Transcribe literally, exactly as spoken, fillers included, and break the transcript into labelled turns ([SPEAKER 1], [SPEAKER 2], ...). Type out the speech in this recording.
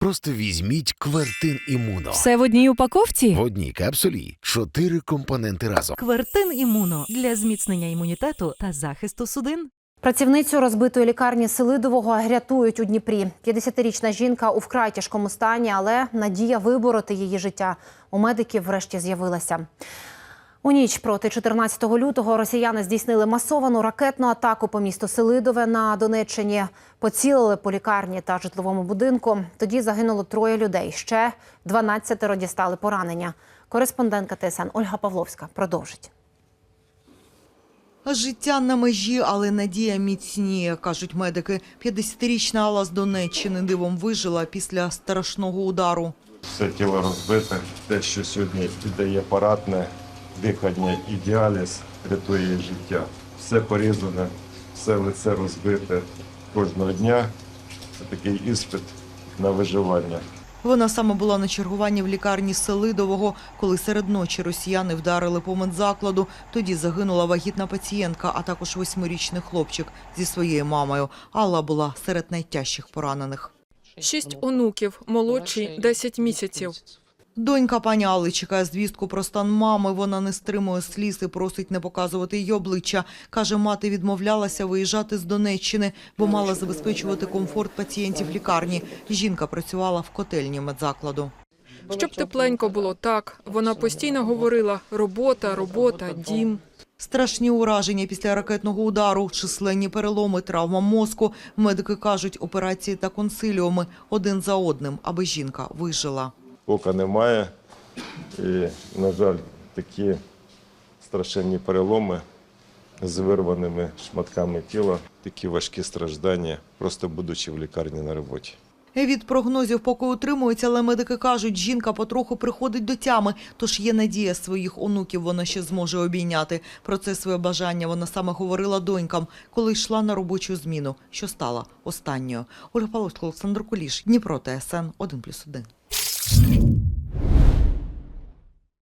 [SPEAKER 1] Просто візьміть Квертин Імуно.
[SPEAKER 2] Все в одній упаковці?
[SPEAKER 1] В одній капсулі чотири компоненти разом.
[SPEAKER 3] Квертин Імуно для зміцнення імунітету та захисту судин.
[SPEAKER 4] Працівницю розбитої лікарні Селидового рятують у Дніпрі. п'ятдесятирічна жінка у вкрай тяжкому стані, але надія вибороти її життя у медиків врешті з'явилася. У ніч проти чотирнадцятого лютого росіяни здійснили масовану ракетну атаку по місту Селидове на Донеччині. Поцілили по лікарні та житловому будинку. Тоді загинуло троє людей. Ще дванадцятеро дістали поранення. Кореспондентка Т С Н Ольга Павловська продовжить.
[SPEAKER 5] Життя на межі, але надія міцніє, кажуть медики. п'ятдесятирічна Алла з Донеччини дивом вижила після страшного удару.
[SPEAKER 6] Все тіло розбите, те, що сьогодні віддає парадне, дихання і діаліз, рятує її життя. Все порізане, все лице розбите. Кожного дня це такий іспит на виживання.
[SPEAKER 5] Вона саме була на чергуванні в лікарні Селидового, коли серед ночі росіяни вдарили по медзакладу. Тоді загинула вагітна пацієнтка, а також восьмирічний хлопчик зі своєю мамою. Алла була серед найтяжчих поранених.
[SPEAKER 7] Шість онуків, молодші – десять місяців.
[SPEAKER 5] Донька пані Алли чекає звістку про стан мами. Вона не стримує сліз і просить не показувати її обличчя. Каже, мати відмовлялася виїжджати з Донеччини, бо мала забезпечувати комфорт пацієнтів лікарні. Жінка працювала в котельні медзакладу.
[SPEAKER 7] Щоб тепленько було так, вона постійно говорила «робота, робота, дім».
[SPEAKER 5] Страшні ураження після ракетного удару, численні переломи, травма мозку. Медики кажуть, операції та консиліуми один за одним, аби жінка вижила.
[SPEAKER 6] Ока немає і, на жаль, такі страшенні переломи з вирваними шматками тіла, такі важкі страждання, просто будучи в лікарні на роботі.
[SPEAKER 5] Від прогнозів поки утримується, але медики кажуть, жінка потроху приходить до тями, тож є надія своїх онуків вона ще зможе обійняти. Про це своє бажання вона саме говорила донькам, коли йшла на робочу зміну, що стала останньою. Ольга Павловська, Олександр Куліш, Дніпро, Т С Н один плюс один.